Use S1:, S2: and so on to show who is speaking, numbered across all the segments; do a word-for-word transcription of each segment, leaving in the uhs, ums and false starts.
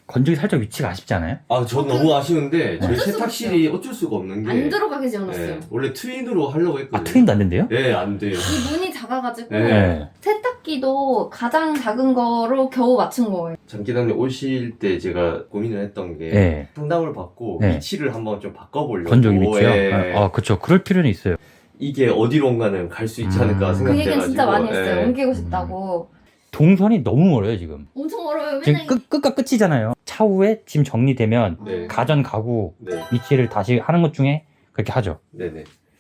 S1: 건조기 살짝 위치가 아쉽지 않아요?
S2: 아, 저 너무 아쉬운데 저희
S3: 어쩔 수
S2: 세탁실이 어쩔 수가 없는 게
S3: 안 들어가게 지어놨어요.
S2: 네, 원래 트윈으로 하려고
S1: 아
S2: 했거든요.
S1: 트윈도 안 된대요?
S2: 네, 안 돼요.
S3: 이 문이 작아가지고
S2: 네.
S3: 세탁기도 가장 작은 거로 겨우 맞춘 거예요.
S2: 장기단님 오실 때 제가 고민을 했던 게
S1: 네.
S2: 상담을 받고
S1: 네.
S2: 위치를 한번 좀 바꿔보려고.
S1: 건조기 위치요?
S2: 예.
S1: 아 그쵸. 그럴 필요는 있어요.
S2: 이게 어디론가는 갈 수 있지 않을까
S1: 음.
S3: 그
S2: 생각해가지고.
S3: 얘기는 진짜 많이 했어요.
S2: 예.
S3: 옮기고 싶다고.
S1: 동선이 너무 멀어요 지금.
S3: 엄청 멀어요.
S1: 지금
S3: 맨날
S1: 끝, 끝과 끝이잖아요. 차후에 짐 정리되면
S2: 네.
S1: 가전 가구
S2: 네.
S1: 위치를 다시 하는 것 중에 그렇게 하죠.
S2: 네네.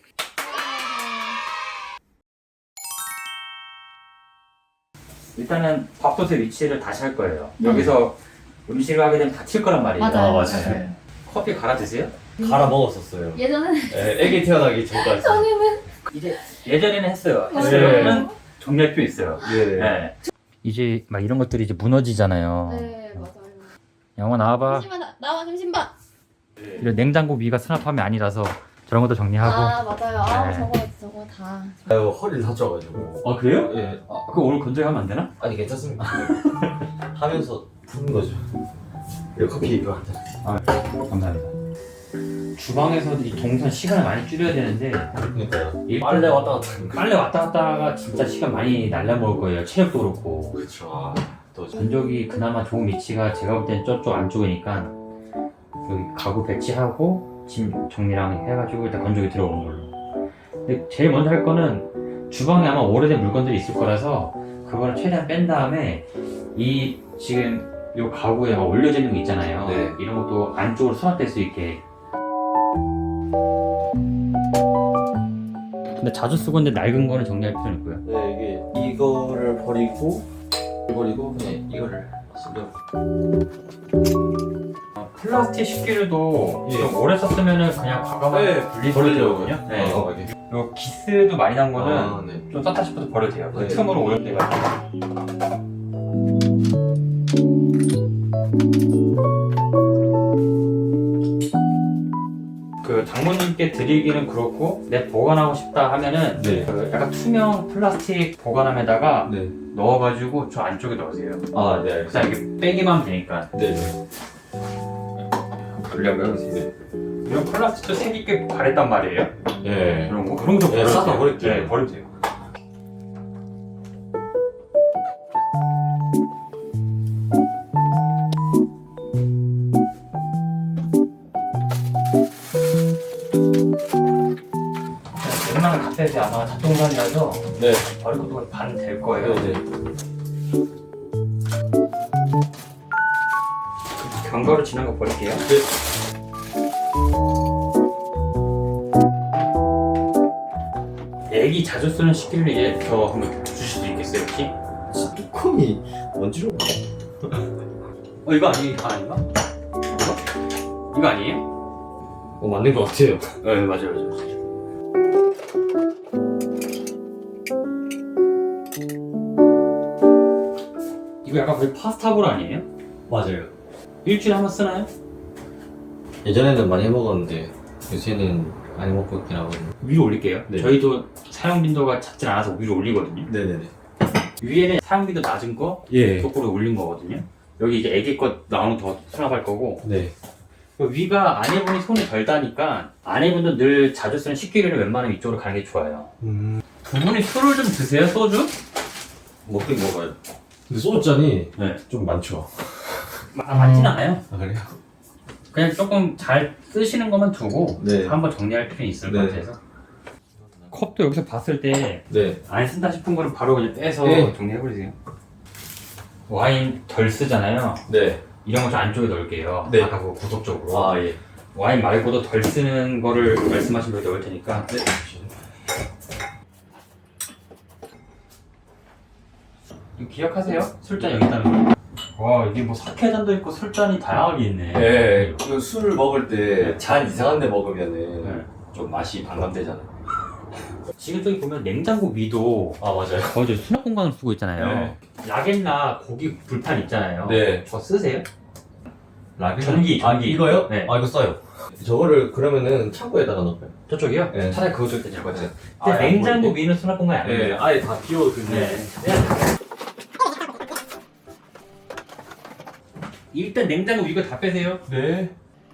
S1: 일단은 밥솥의 위치를 다시 할 거예요. 여기서 음식을 하게 되면 다칠 거란 말이에요.
S3: 맞아요.
S2: 아, 맞아요.
S1: 커피 갈아 드세요?
S2: 갈아 먹었었어요.
S3: 예전에는
S2: 예, 애기 태어나기 전까지.
S3: 저희는
S1: 이제 예전에는 했어요.
S3: 맞아요.
S1: 지금은 정리할 필요 있어요.
S2: 네.
S1: 네. 이제 막 이런 것들이 이제 무너지잖아요.
S3: 네 맞아요.
S1: 영화 나와봐.
S3: 잠시만 나- 나와 잠시만.
S1: 이런 냉장고 위가 수납함이 아니라서 저런 것도 정리하고.
S3: 아 맞아요. 아
S1: 네.
S3: 저거 저거 다.
S2: 아유, 허리를 다쳐가지고.
S1: 아 그래요?
S2: 예.
S1: 아, 그거 오늘 건조기 하면 안 되나?
S2: 아니, 괜찮습니다. 하면서 푸는 거죠. 이거 커피 이거 한 잔.
S1: 아 감사합니다. 주방에서도 이 동선 시간을 많이 줄여야 되는데
S2: 그러니까요.
S1: 일단
S2: 빨래 왔다 갔다 하는 거.
S1: 빨래 왔다 갔다가 진짜 시간 많이 날려먹을 거예요. 체력도 그렇고.
S2: 그렇죠. 아, 또
S1: 건조기 그나마 좋은 위치가 제가 볼 땐 저쪽 안쪽이니까 여기 가구 배치하고 짐 정리랑 해가지고 일단 건조기 들어오는 걸로. 근데 제일 먼저 할 거는 주방에 아마 오래된 물건들이 있을 거라서 그거를 최대한 뺀 다음에 이 지금 요 가구에 막 올려져 있는 거 있잖아요.
S2: 네.
S1: 이런 것도 안쪽으로 수납될 수 있게. 근데 자주 쓰고 있는데 낡은 거는 정리할 필요는 있고요.
S2: 네, 이게 이거를 버리고 버리고 그냥 이거를 쓰려고.
S1: 어, 플라스틱 식기류도
S2: 예.
S1: 좀 오래 썼으면은 그냥 과감하게
S2: 네,
S1: 분리버리더라고요. 네.
S2: 어, 이게.
S1: 요 기스도 많이 난 거는
S2: 아, 네.
S1: 좀 썼다 싶어도 버려도 돼요. 그
S2: 네.
S1: 틈으로 오염돼가지고. 그 장모님께 드리기는 그렇고 내 보관하고 싶다 하면은
S2: 네.
S1: 그 약간 투명 플라스틱 보관함에다가
S2: 네.
S1: 넣어가지고 저 안쪽에 넣으세요.
S2: 아, 네, 알겠습니다.
S1: 그냥 이렇게 빼기만 하면 되니까.
S2: 네, 네.
S1: 분리하고 해보세요. 이런 플라스틱도 색이 꽤 바랬단 말이에요.
S2: 네.
S1: 그런 거 그런 거
S2: 네,
S1: 버려도
S2: 싸다
S1: 돼요.
S2: 버릴게요.
S1: 네, 버려도 돼요. 웬만한 카페에서 아마 잡동산이라서
S2: 네.
S1: 버릴 것도 반 될 거예요.
S2: 네, 네.
S1: 경과로 지난 거 버릴게요. 애기 자주 쓰는 식기를 이제 저 한번 주실 수 있겠어요, 혹시?
S2: 진짜 뚜껑이 먼지로.
S1: 어 이거 아니 이거 아닌가? 이거? 이거 아니에요?
S2: 어, 맞는 것 같아요.
S1: 네 맞아요 맞아요. 이거 약간 거의 파스타볼 아니에요?
S2: 맞아요.
S1: 일주일에 한 번 쓰나요?
S2: 예전에는 많이 해 먹었는데 요새는 많이 먹고 있긴 하거든요.
S1: 위로 올릴게요.
S2: 네.
S1: 저희도 사용 빈도가 잦진 않아서 위로 올리거든요.
S2: 네네네.
S1: 위에는 사용 빈도 낮은 거
S2: 예.
S1: 거꾸로 올린 거거든요. 여기 이제 애기 것 나오는 더 수납할 거고
S2: 네.
S1: 위가 아내분이 손이 덜 다니까 아내분도 늘 자주 쓰는 식기류를 웬만하면 이쪽으로 가는 게 좋아요.
S2: 음.
S1: 두 분이 술을 좀 드세요? 소주?
S2: 먹긴 먹어요. 근데 소주잔이
S1: 네.
S2: 좀 많죠.
S1: 아, 많진 않아요.
S2: 아, 그래요?
S1: 그냥 조금 잘 쓰시는 것만 두고
S2: 네.
S1: 한번 정리할 필요는 있을 것
S2: 네.
S1: 같아서. 컵도 여기서 봤을 때 안
S2: 네.
S1: 쓴다 싶은 거는 바로 그냥 빼서
S2: 네.
S1: 정리해버리세요. 와인 덜 쓰잖아요.
S2: 네.
S1: 이런 거 좀 안쪽에 넣을게요.
S2: 네.
S1: 아까 그 구석적으로.
S2: 아, 예.
S1: 와인 말고도 덜 쓰는 거를 말씀하신 대로 넣을 테니까.
S2: 네.
S1: 이거 기억하세요? 술잔 여기 있다는 거. 와 이게 뭐 사케잔도 있고 술잔이 다양하게 있네.
S2: 네. 그 술을 먹을 때 잔 이상한 데 먹으면은
S1: 네.
S2: 좀 맛이 반감되잖아요.
S1: 지금 저기 보면 냉장고 위도
S2: 아, 맞아요.
S1: 거기 수납 공간을 쓰고 있잖아요.
S2: 네.
S1: 라겐나 고기 불판 있잖아요.
S2: 네.
S1: 저 쓰세요?
S2: 라겐?
S1: 전기,
S2: 아,
S1: 전기.
S2: 이거요?
S1: 네.
S2: 아, 이거 써요. 저거를 그러면은 창고에다가 넣을까요?
S1: 저쪽이요?
S2: 네.
S1: 차라리 그거 줄 때될 것 같아요.
S2: 아,
S1: 근데
S2: 안
S1: 냉장고
S2: 보이는데?
S1: 위는 수납 공간이
S2: 네.
S1: 아니에요.
S2: 아예 다 비워두면.
S1: 네. 일단 냉장고 이거 다 빼세요.
S2: 네.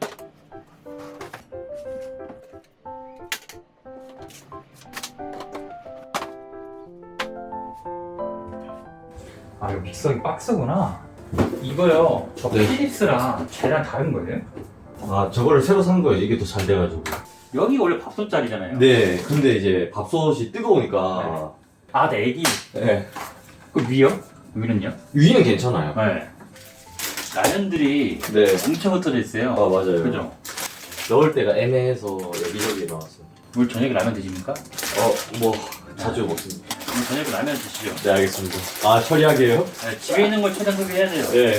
S1: 아 이거 믹서기 박스구나. 이거요. 저
S2: 네.
S1: 필립스랑 쟤랑 다른 거예요?
S2: 아 저거를 새로 산 거예요. 이게 더 잘 돼가지고.
S1: 여기 원래 밥솥짜리잖아요.
S2: 네. 근데 이제 밥솥이 뜨거우니까.
S1: 아, 네, 애기.
S2: 네.
S1: 그 위요? 위는요?
S2: 위는 괜찮아요.
S1: 네. 라면들이
S2: 네.
S1: 엄청 흩어져 있어요.
S2: 아 맞아요.
S1: 그죠?
S2: 넣을 때가 애매해서 여기저기 나왔어요.
S1: 오늘 저녁에 라면 드십니까?
S2: 어, 뭐 자주 먹습니다.
S1: 오늘 저녁에 라면 드시죠.
S2: 네, 알겠습니다. 아, 처리하게요?
S1: 네, 집에 있는 걸 최대한 소비해야 돼요.
S2: 네.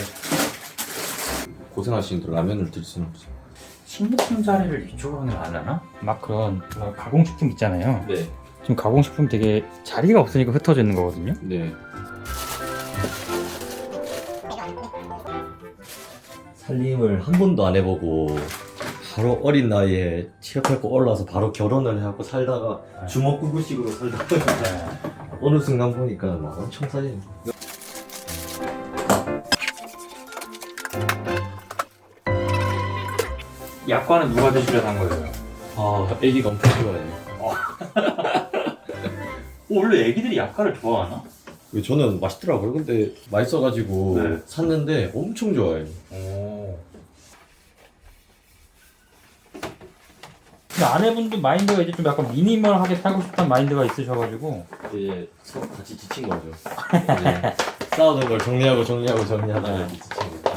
S2: 고생하시는데 라면을 들 수는 없어요.
S1: 식료품 자리를 이쪽으로 하는 게 나으려나? 막 그런 가공식품 있잖아요.
S2: 네.
S1: 지금 가공식품 되게 자리가 없으니까 흩어져 있는 거거든요.
S2: 네. 살림을 한 번도 안 해보고 바로 어린 나이에 취업하고 올라와서 바로 결혼을 해갖고 살다가 주먹구구식으로 살다가
S1: 네.
S2: 어느 순간 보니까 막 엄청 살림.
S1: 약과는 누가 드시려고 한 거예요?
S2: 아, 애기가 엄청 좋아해요.
S1: 원래 애기들이 약과를 좋아하나?
S2: 저는 맛있더라고요. 근데 맛있어가지고
S1: 네.
S2: 샀는데 엄청 좋아해요.
S1: 오. 근데 아내분도 마인드가 이제 좀 약간 미니멀하게 살고 싶다는 마인드가 있으셔가지고
S2: 이제 서로 같이 지친 거죠. 이제 싸우는 걸 정리하고 정리하고 정리하다가 이제 지친 거죠.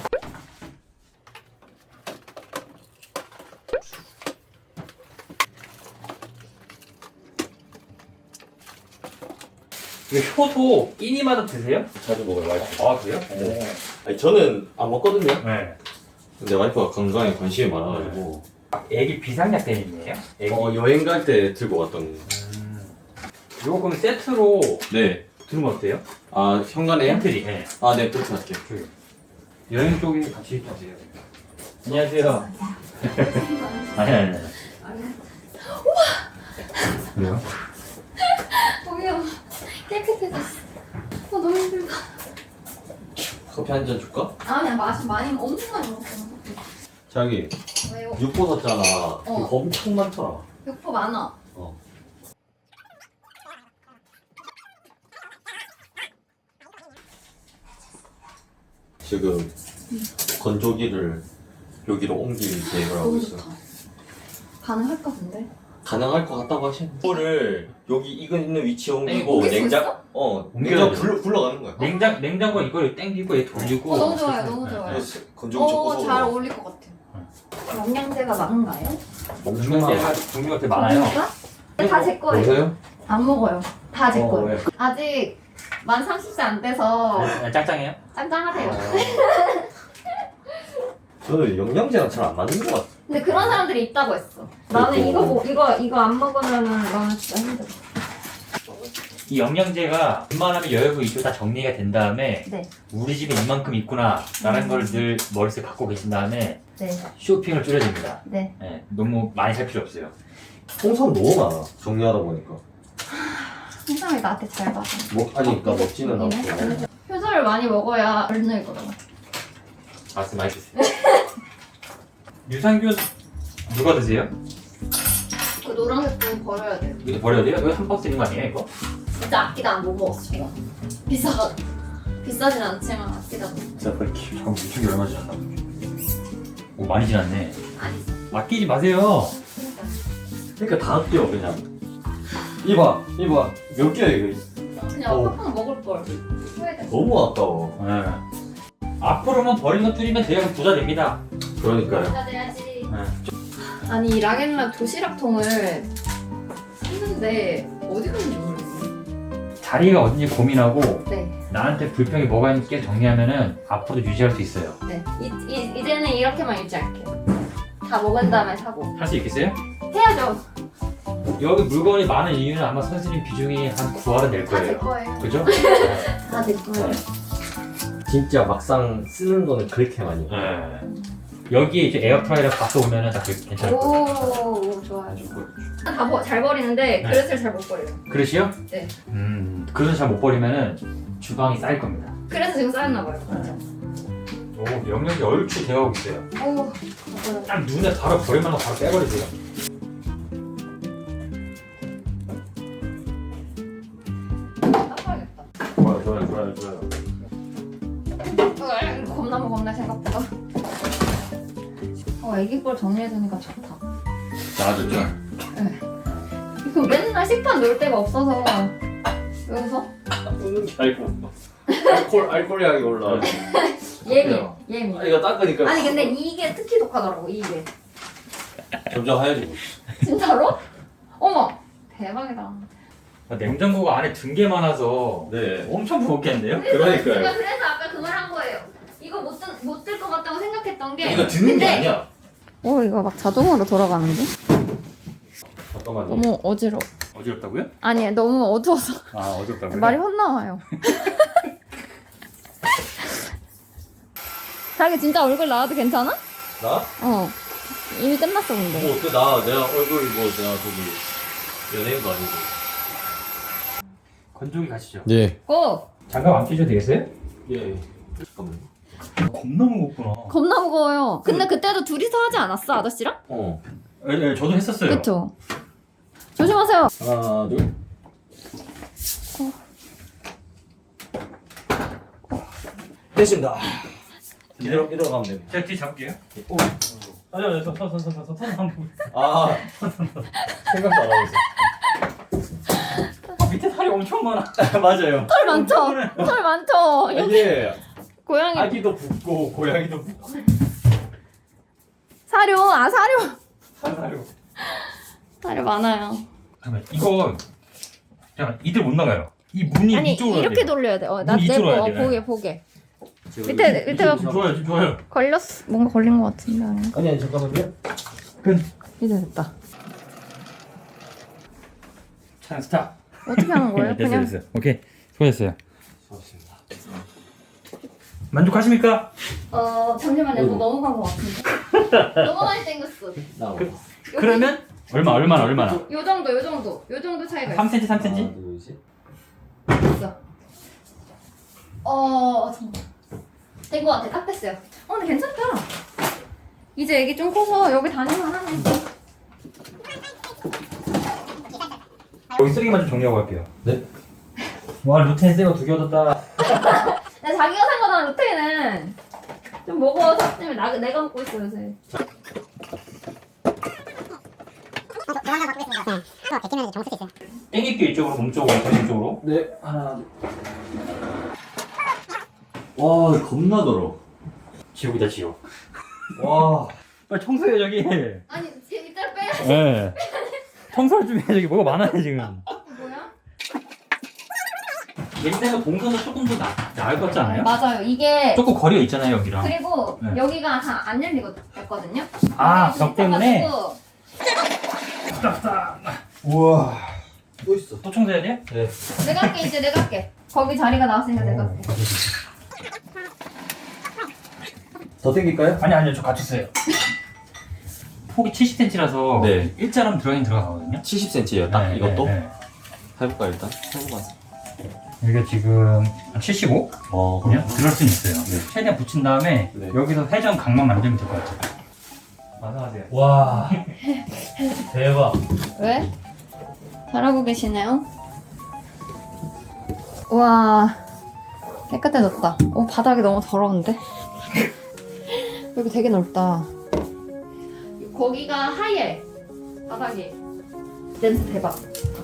S1: 이거 효도 끼니마다 드세요?
S2: 자주 먹어요, 와이프.
S1: 아 그래요?
S2: 네. 아니, 저는 안 먹거든요.
S1: 네.
S2: 근데 와이프가 건강에 관심이 많아가지고
S1: 애기 비상약 때문이에요? 애기.
S2: 어, 여행 갈 때 들고 왔던.
S1: 음. 이거 그럼 세트로
S2: 네.
S1: 들으면 어때요?
S2: 아, 현관에요?
S1: 팬트리. 네.
S2: 아, 네, 그렇게 할게요.
S1: 그 여행 쪽에 같이 가세요. 안녕하세요. 아니 아니 아니. 왜요?
S3: 저기요. 깨끗해졌어. 어, 너무 힘들다.
S2: 커피 한 잔 줄까?
S3: 아, 그냥 마시 많이, 엄청 많이 먹었어.
S2: 자기,
S3: 왜요?
S2: 육보 샀잖아. 그거 엄청 많더라.
S3: 육포 많아.
S2: 어. 지금 건조기를 여기로 옮길 계획을 하고
S3: 너무
S2: 있어요.
S3: 좋다. 가능할까, 근데?
S2: 가능할 것 같다고 하시는데 이거를 여기 이거 있는 위치에 옮기고
S3: 옮길 수
S2: 냉장
S3: 있어?
S2: 어
S1: 옮겨야
S2: 냉장
S1: 돼.
S2: 굴러 굴러가는 거야.
S1: 냉장 냉장고 이걸 땡기고 얘 돌리고.
S3: 어, 너무 좋아요, 너무 좋아요.
S2: 그래서 건조기
S3: 어,
S2: 접어서
S3: 잘 어울릴 것 같아요. 영양제가 많은가요?
S1: 영양제가 종류가 되게 많아요.
S3: 다 제 거예요.
S2: 보세요.
S3: 안 먹어요. 다 제
S2: 어,
S3: 거예요.
S2: 왜?
S3: 아직 만 삼십 세 안 돼서
S1: 네, 짱짱해요?
S3: 짱짱하대요.
S2: 저는 영양제랑 잘 안 맞는 것 같아.
S3: 근데 그런 사람들이 있다고 했어. 나는
S2: 그리고-
S3: 이거 뭐, 이거 이거 안 먹으면은 나는 진짜 힘들어.
S1: 이 영양제가 웬만하면 여유고 이쪽 다 정리가 된 다음에
S3: 네,
S1: 우리 집에 이만큼 있구나 라는
S3: 음.
S1: 걸 늘 머릿속에 갖고 계신 다음에
S3: 네,
S1: 쇼핑을 줄여줍니다.
S3: 네.
S1: 네, 너무 많이 살 필요 없어요.
S2: 홍삼 너무 많아. 정리하다 보니까.
S3: 세상에 나한테 잘 봐.
S2: 먹하니까 먹지는 않고.
S3: 효소를 많이 먹어야 덜 늙어요.
S1: 말씀 많이 드세요. 유산균 누가 드세요?
S3: 그 노란색 분 버려야 돼요.
S1: 이거 버려야 돼요? 이거 한 박스 있는 거 아니에요 이거?
S3: 진짜 아끼다 못 먹었어 이거. 비싸 비싸진 않지만 아끼다.
S1: 진짜 그렇게 잠깐 유통기 얼마 지났나? 오 많이 지났네.
S3: 아니죠.
S1: 아끼지 마세요.
S2: 그러니까 다 아껴 그냥. 이봐, 이봐. 몇 개야 이거?
S3: 그냥
S2: 어.
S3: 팍팍 먹을 걸. 후회돼.
S2: 너무 아까워.
S1: 네. 앞으로만 버리는 거 줄이면 대학은 부자 됩니다.
S2: 그러니까요.
S3: 부자 돼야지.
S1: 네.
S3: 아니 이 락앤락 도시락통을 샀는데 어디 갔는지 모르겠네.
S1: 자리가 어딘지 고민하고
S3: 네,
S1: 나한테 불평이 뭐가 있는지 계속 정리하면은 앞으로도 유지할 수 있어요.
S3: 네. 이, 이, 이제는 이렇게만 유지할게요. 다 먹은 다음에 사고.
S1: 할 수 있겠어요?
S3: 해야죠.
S1: 여기 물건이 많은 이유는 아마 선생님 비중이 한 구할은 될
S3: 다 제
S1: 거예요.
S3: 거예요.
S1: 그죠?
S3: 다 제 거예요.
S2: 진짜 막상 쓰는 거는 그렇게 많이. 해.
S1: 네. 여기에 이제 에어프라이어 갖다 오면은 다 괜찮을 거예요.
S3: 오, 오 좋아요. 다 잘 버리는데
S1: 네.
S3: 그릇을 잘 못 버려요.
S1: 그릇이요?
S3: 네.
S1: 음, 그릇을 잘 못 버리면은 주방이 쌓일 겁니다.
S3: 그래서 지금 쌓였나 봐요.
S1: 오, 영역이 얼추 되어가고 있어요.
S3: 오,
S1: 딱 눈에 바로 버릴만 하고 바로 빼버리세요.
S3: 닦아야겠다.
S2: 좋아요 좋아요 좋아요 좋아요.
S3: 으, 겁나무 겁나 생각보다. 어, 애기 걸 정리해두니까 좋다.
S2: 나아졌죠?
S3: 이거 맨날 식판 놓을 데가 없어서. 왜 웃어?
S2: 웃는 게 아니고 알콜 알콜 향이 올라.
S3: 예민, 예민.
S2: 아, 이거 닦으니까
S3: 아니 근데 이게 특히 독하더라고, 이게.
S2: 점점 하얘지고.
S3: 진짜로? 어머, 대박이다.
S1: 아, 냉장고가 안에 든 게 많아서
S2: 네.
S1: 엄청 무겁겠는데요?
S3: 그래서
S2: 그러니까요.
S3: 제가 그래서 아까 그걸 한 거예요. 이거 못들 것 같다고 생각했던 게.
S2: 이거 듣는 게
S3: 근데-
S2: 아니야.
S3: 어, 이거 막 자동으로 돌아가는데?
S2: 잠깐만요.
S3: 너무 어지러워.
S1: 어지럽다고요?
S3: 아니, 너무 어두워서
S1: 아, 어지럽다고요?
S3: 말이 헛나와요. 자기 진짜 얼굴 나와도 괜찮아?
S2: 나?
S3: 어. 이미 끝났어, 근데.
S2: 뭐 어때? 나 내가 얼굴 뭐 내가 저기 연예인도 아니고.
S1: 건조기 가시죠.
S2: 네.
S3: 고!
S1: 장갑 안 끼셔도 되겠어요?
S2: 예. 잠깐만요.
S1: 겁나 무겁구나.
S3: 겁나 무거워요. 근데 그때도 둘이서 하지 않았어, 아저씨랑?
S2: 어.
S1: 예, 예, 저도 했었어요.
S3: 그쵸? 조심하세요.
S2: 하나 둘. 됐습니다. 이대로 이대로 가면 됩니다.
S1: 제가 뒤 잡을게요.
S2: 오.
S1: 아니, 아니, 손, 손, 손, 손, 손, 손 한번.
S2: 아. 생각도 안 하고 있어.
S1: 아, 밑에 살이 엄청 많아.
S2: 맞아요.
S3: 털 많죠? 털 많죠?
S2: 이게
S3: 고양이.
S2: 아기도 붓고 고양이도 붓고.
S3: 사료, 아, 사료.
S2: 하나로.
S3: 사료 많아요.
S1: 잠깐만, 이거 잠깐 이들 못 나가요. 이 문이
S3: 아니,
S1: 이쪽으로
S3: 이렇게
S1: 돼요.
S3: 돌려야 돼. 어, 나
S1: 문이
S3: 내고,
S1: 이쪽으로
S3: 어,
S1: 해야 돼요.
S3: 보게, 보게.
S2: 지금
S3: 밑에, 밑에가
S1: 지금 좋아요, 지금 좋아요.
S3: 걸렸어. 뭔가 걸린 것 같은데, 아닌가?
S2: 아니 아니 잠깐만요.
S3: 이제 됐다.
S1: 차량 스탑.
S3: 어떻게 하는 거예요?
S1: 됐어요,
S3: 그냥.
S1: 됐어요. 오케이, 수고하셨어요.
S2: 좋습니다.
S1: 만족하십니까?
S3: 어, 잠시만요.
S2: 어이구.
S3: 뭐 넘어간 것 같은데. 너무 많이 땡겼어.
S2: 나.
S1: 그-
S3: 여기
S1: 그러면 얼마, 얼마나, 얼마나?
S3: 요 정도, 요 정도. 요 정도 차이가 있어.
S1: 삼 센티미터, 삼
S2: 하나
S1: 센티미터?
S2: 둘 셋.
S3: 있어. 어, 잠깐만. 된것 같아. 딱 됐어요. 어, 근데 괜찮다. 이제 애기 좀 커서 여기 다니면 하네.
S1: 여기 쓰레기만 좀 정리하고 갈게요.
S2: 네.
S1: 와, 루테인 새거 두 개 얻었다.
S3: 근데 자기가 산 거잖아, 루테인은. 좀 먹어. 샀으면 나, 내가 먹고 있어, 요새.
S4: 조만간 바꾸겠습니다. 네. 또 베끼면 정수 있어요.
S1: 땡길게 이쪽으로, 몸 쪽으로, 등 쪽으로.
S2: 네. 하나. 둘. 와 겁나 더러.
S1: 지옥이다, 지옥.
S2: 와.
S1: 빨리 청소해, 저기.
S3: 아니, 이따 빼야지.
S1: 예. 청소를 좀 해, 저기 뭐가 많아요, 지금.
S3: 뭐야?
S1: 냄새가 동선은 조금 더 나, 나을 것 같지 않아요?
S3: 맞아요. 이게.
S1: 조금 거리가 있잖아요, 여기랑.
S3: 그리고
S1: 네.
S3: 여기가 다 안 열리거든요.
S1: 아,
S3: 여기
S1: 벽 때문에?
S3: 있어가지고
S2: 우와. 또 있어.
S1: 또 청소해야 돼요?
S2: 네.
S3: 내가 할게, 이제 내가 할게. 거기 자리가 나왔으니까 내가 할게.
S2: 더 땡길까요?
S1: 아니, 아니요, 저 같이 써요. 폭이 칠십 센티미터라서
S2: 네.
S1: 일자라면 들어가긴 들어가거든요.
S2: 칠십 센티미터예요. 딱
S1: 네,
S2: 이것도.
S1: 네, 네.
S2: 해볼까 일단. 해보자.
S1: 여기가 지금 칠십오?
S2: 어.
S1: 그냥 들을 수는 있어요.
S2: 네.
S1: 최대한 붙인 다음에
S2: 네.
S1: 여기서 회전 각만 만들면 될 것 같아요. 완성하세요.
S2: 와. 대박.
S3: 왜? 잘하고 계시네요. 와, 깨끗해졌다. 오, 바닥이 너무 더러운데? 여기 되게 넓다. 거기가 하얘. 바닥이. 냄새 대박.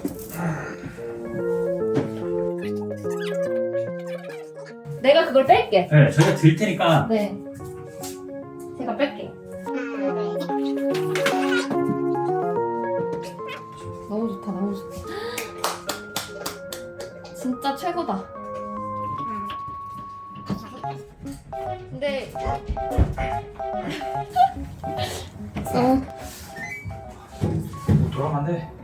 S3: 내가 그걸 뺄게.
S1: 네, 저희가 들 테니까
S3: 네. 제가 뺄게. 너무 좋다, 너무 좋다. 진짜 최고다. 근데 너무
S1: 돌아가면 안 돼.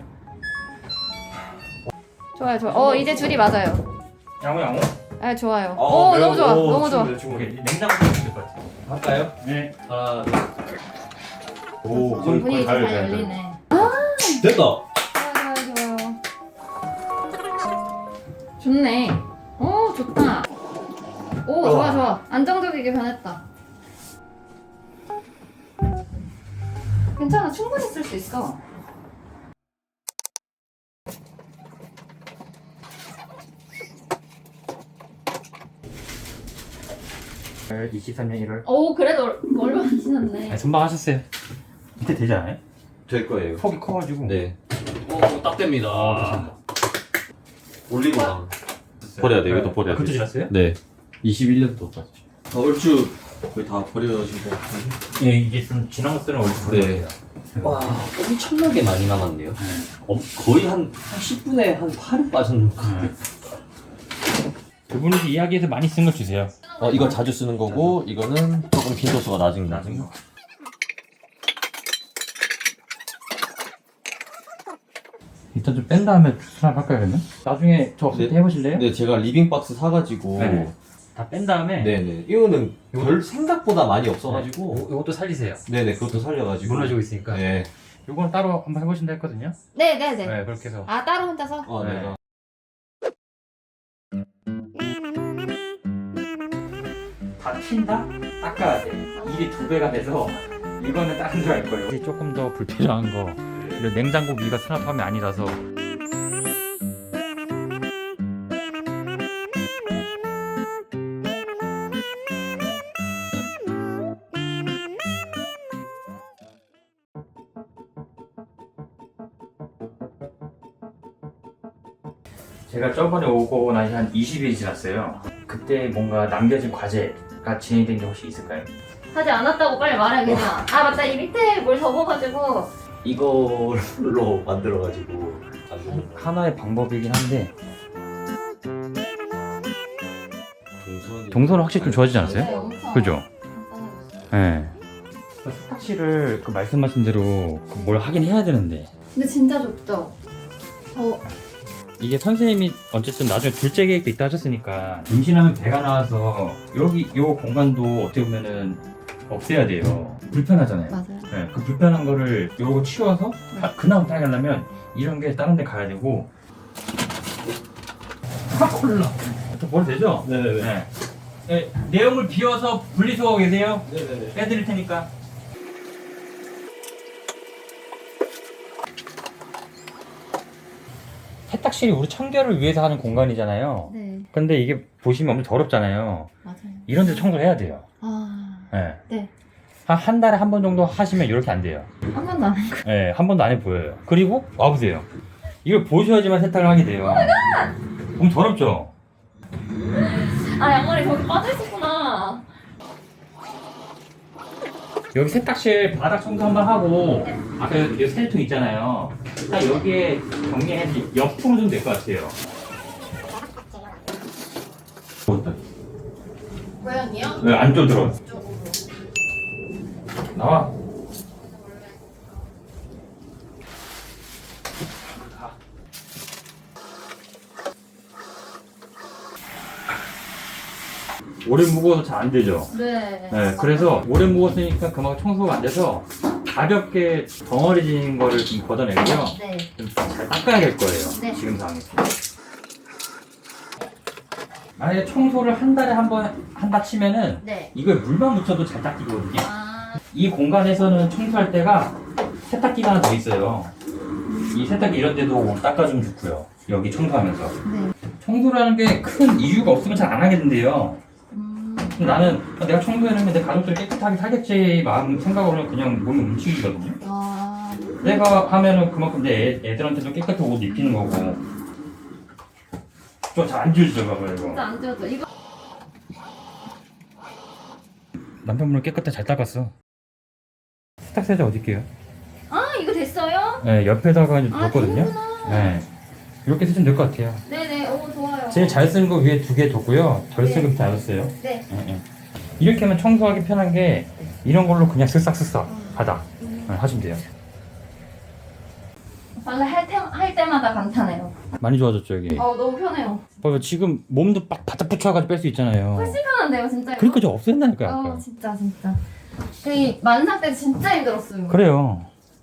S3: 좋아요, 좋아. 어, 이제 줄이 맞아요.
S1: 양호, 양호.
S3: 아, 좋아요.
S2: 어,
S3: 오, 너무 좋아,
S2: 오,
S3: 너무 좋아.
S2: 충분해, 충분해.
S1: 오케이, 냉장고 넣으면 될 것 같아요.
S2: 할까요?
S1: 네.
S2: 하나. 둘. 오.
S3: 어, 분위기 잘 열리네.
S2: 됐다.
S3: 좋아요, 좋아요, 좋아요. 좋네. 오, 좋다. 오, 좋아, 좋아. 안정적이게 변했다. 괜찮아, 충분히 쓸 수 있어.
S1: 이십삼 년 일월.
S3: 오, 그래도 얼마 지났네.
S1: 선방하셨어요. 밑에 되지 않아요?
S2: 될 거예요.
S1: 폭이 커가지고.
S2: 네. 오, 딱 됩니다.
S1: 아,
S2: 올리고당. 버려야 돼, 이것도 버려야 돼.
S1: 그것도 지났어요?
S2: 네. 이십일 년도까지. 아, 얼추 거의 다 버려지고.
S1: 예, 이게 좀 지난 것들은 원래
S2: 네. 와, 엄청나게 많이 남았네요. 어, 거의 한, 한 십 분에 한 팔은 빠졌는 것 같아요.
S1: 그분이 이야기에서 많이 쓴 걸 주세요.
S2: 어, 이거 자주 쓰는 거고, 이거는 조금 빈도수가 낮은 거.
S1: 나중에. 일단 좀 뺀 다음에 수납할까요, 그러면? 나중에 저 없을 때
S2: 네.
S1: 해보실래요?
S2: 네, 제가 리빙박스 사가지고.
S1: 네. 다 뺀 다음에.
S2: 네네. 이거는 별 생각보다 많이 없어가지고.
S1: 요- 요것도 살리세요.
S2: 네네, 그것도 살려가지고.
S1: 무너지고 있으니까.
S2: 네.
S1: 요건 따로 한번 해보신다 했거든요.
S3: 네네네.
S1: 네, 그렇게 해서.
S3: 아, 따로 혼자서?
S2: 어,
S1: 네.
S2: 내가.
S1: 다 튄다? 닦아야 돼. 일이 두 배가 돼서 이거는 다른 데로 할 거예요. 이게 조금 더 불필요한 거. 이런 냉장고 위가 수납함이 아니라서. 제가 저번에 오고 나서 한 이십 일이 지났어요. 그때 뭔가 남겨진 과제가 진행된 게 혹시 있을까요?
S3: 하지 않았다고 빨리 말해, 그냥. 아, 맞다. 이 밑에 뭘 접어가지고.
S2: 이걸로 만들어가지고. 만드는 거.
S1: 하나의 방법이긴 한데
S2: 동선.
S1: 동선은 확실히 좀 좋아지지 않았어요?
S3: 네, 엄청.
S1: 그죠?
S3: 간단해졌어요.
S1: 네. 세탁실을 그 말씀하신 대로 그뭘 하긴 해야 되는데
S3: 근데 진짜 좁죠? 저,
S1: 이게 선생님이 어쨌든 나중에 둘째 계획도 있다 하셨으니까 임신하면 배가 나와서 여기 요 공간도 어떻게 보면은 없애야 돼요. 불편하잖아요.
S3: 맞아요.
S1: 네, 그 불편한 거를 요거 치워서 다- 그나마 하려면 이런 게 다른 데 가야 되고 아 콜라 또 버려 되죠?
S2: 네네네.
S1: 네. 네, 내용을 비워서 분리수거 계세요?
S2: 네네네.
S1: 빼드릴 테니까. 세탁실이 우리 청결을 위해서 하는 공간이잖아요.
S3: 네,
S1: 근데 이게 보시면 엄청 더럽잖아요.
S3: 맞아요.
S1: 이런 데 청소를 해야 돼요.
S3: 아,
S1: 네.
S3: 네.
S1: 한, 한 달에 한 번 정도 하시면 이렇게 안 돼요.
S3: 한 번도 안 했고.
S1: 네, 한 번도 안 해 보여요. 그리고 와보세요. 이걸 보셔야지만 세탁을 하게 돼요. 너무 더럽죠?
S3: 아, 양말이 거기 빠져있었구나.
S1: 여기 세탁실 바닥 청소 한번 하고 아까 여기 세제통 있잖아요. 딱 여기에 정리해서 옆으로 좀 될 것 같아요.
S3: 고양이요?
S1: 왜 안 쪼들어?
S3: 이쪽으로.
S1: 나와. 오래 묵어서 잘 안 되죠.
S3: 네.
S1: 네, 그래서 오래 묵었으니까 그만큼 청소가 안 돼서 가볍게 덩어리진 거를 좀 걷어내고요.
S3: 네.
S1: 좀 잘 닦아야 될 거예요.
S3: 네.
S1: 지금 상황에서. 만약에 청소를 한 달에 한 번 한다 치면은
S3: 네.
S1: 이걸 물만 묻혀도 잘 닦이거든요.
S3: 아,
S1: 이 공간에서는 청소할 때가 세탁기가 하나 더 있어요. 이 세탁기 이런 데도 닦아주면 좋고요. 여기 청소하면서.
S3: 네.
S1: 청소라는 게 큰 이유가 없으면 잘 안 하겠는데요.
S3: 음,
S1: 근데 나는 내가 청소해놓으면 내 가족들 깨끗하게 살겠지 마음 생각으로는 그냥 몸이 움직이거든요.
S3: 아,
S1: 내가 하면은 그만큼 내 애, 애들한테도 깨끗한 옷 입히는 거고. 좀 잘 안 지워지죠, 봐봐요,
S3: 진짜
S1: 이거.
S3: 안 지워져. 이거.
S1: 남편분을 깨끗하게 잘 닦았어. 세탁세제 어디 있게요?
S3: 아, 이거 됐어요?
S1: 네, 옆에다가 이제
S3: 아,
S1: 뒀거든요.
S3: 되는구나.
S1: 네. 이렇게 쓰시면 될 것 같아요.
S3: 네네, 오, 좋아요.
S1: 제일 잘 쓰는 거 위에 두 개 뒀고요. 덜
S3: 네.
S1: 쓰는 거 다 뒀어요.
S3: 네.
S1: 예, 예. 이렇게 하면 청소하기 편한 게 이런 걸로 그냥 쓱싹쓱싹 하다 네, 하시면 돼요.
S3: 원래 할, 때, 할 때마다 감탄해요.
S1: 많이 좋아졌죠, 여기.
S3: 어, 너무 편해요.
S1: 봐봐, 지금 몸도 빡 바짝 붙여가지고 뺄 수 있잖아요.
S3: 훨씬 편한데요, 진짜. 이거?
S1: 그러니까 저 없앤다니까요,
S3: 어,
S1: 아까.
S3: 진짜, 진짜. 그 만삭 때 진짜 힘들었어요.
S1: 그래요.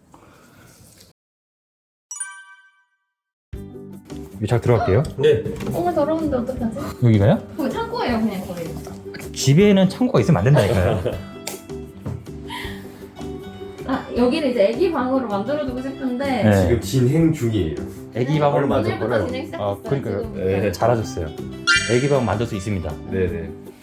S1: 여기 잘 들어갈게요.
S2: 네.
S3: 정말 더러운데 어떡하지?
S1: 여기가요?
S3: 거기 창고예요, 그냥 거기.
S1: 집에는 창고가 있으면 안 된다니까요.
S3: 아 여기는 이제 애기 방으로 만들어주고 싶은데
S1: 네.
S2: 지금 진행 중이에요.
S1: 애기 방을
S2: 얼마
S1: 만들
S2: 전부터
S3: 오늘부터
S1: 거를
S3: 진행 시작했어요.
S1: 아 그러니까요.
S3: 지금.
S1: 네, 잘하셨어요. 애기 방 만들 수 있습니다.
S2: 네네.